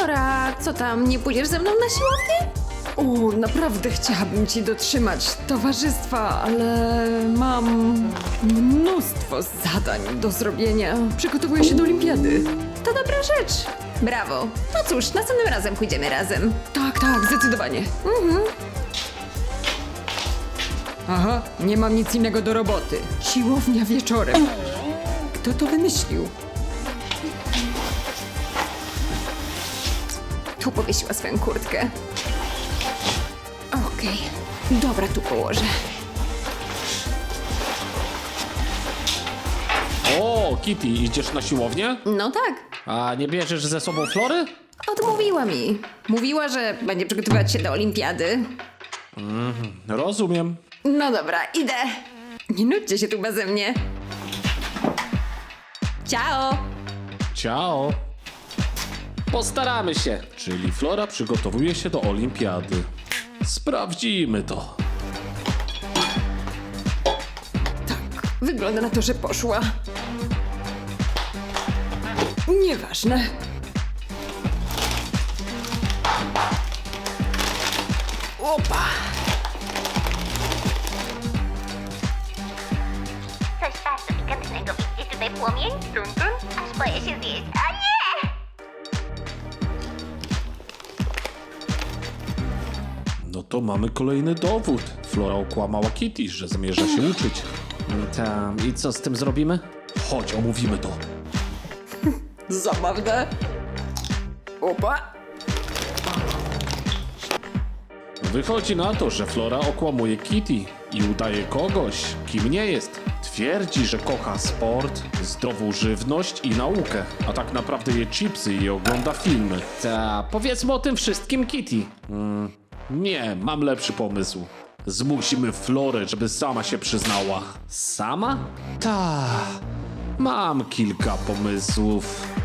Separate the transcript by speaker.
Speaker 1: Flora, co tam, nie pójdziesz ze mną na siłownię? O, naprawdę chciałabym ci dotrzymać towarzystwa, ale mam mnóstwo zadań do zrobienia. Przygotowuję się do olimpiady. To dobra rzecz. Brawo. No cóż, następnym razem pójdziemy razem. Tak, zdecydowanie. Aha, nie mam nic innego do roboty. Siłownia wieczorem. Kto to wymyślił? Tu powiesiła swoją kurtkę. Okej, dobra, tu położę.
Speaker 2: O, Kitty, idziesz na siłownię?
Speaker 1: No tak,
Speaker 2: A nie bierzesz ze sobą Flory?
Speaker 1: odmówiła mi. Mówiła, że będzie przygotowywać się do olimpiady.
Speaker 2: Rozumiem.
Speaker 1: No dobra, idę. Nie nudźcie się tu beze mnie. Ciao!
Speaker 2: Ciao. Postaramy się. Czyli Flora przygotowuje się do olimpiady. Sprawdzimy to.
Speaker 1: Wygląda na to, że poszła. Nieważne. Opa!
Speaker 3: Coś bardzo pikantnego. Widzicie tutaj płomień? Aż boję się zjeść. A nie!
Speaker 2: No to mamy kolejny dowód. Flora okłamała Kitty, że zamierza się uczyć.
Speaker 4: Tam, i co z tym zrobimy?
Speaker 2: Chodź, omówimy to.
Speaker 1: Zabawne. Opa!
Speaker 2: Wychodzi na to, że Flora okłamuje Kitty i udaje kogoś, kim nie jest. Twierdzi, że kocha sport, zdrową żywność i naukę, a tak naprawdę je chipsy i ogląda filmy.
Speaker 4: Ta, powiedzmy o tym wszystkim Kitty.
Speaker 2: Nie, mam lepszy pomysł. Zmusimy Florę, żeby sama się przyznała.
Speaker 4: Sama?
Speaker 2: Ta, mam kilka pomysłów.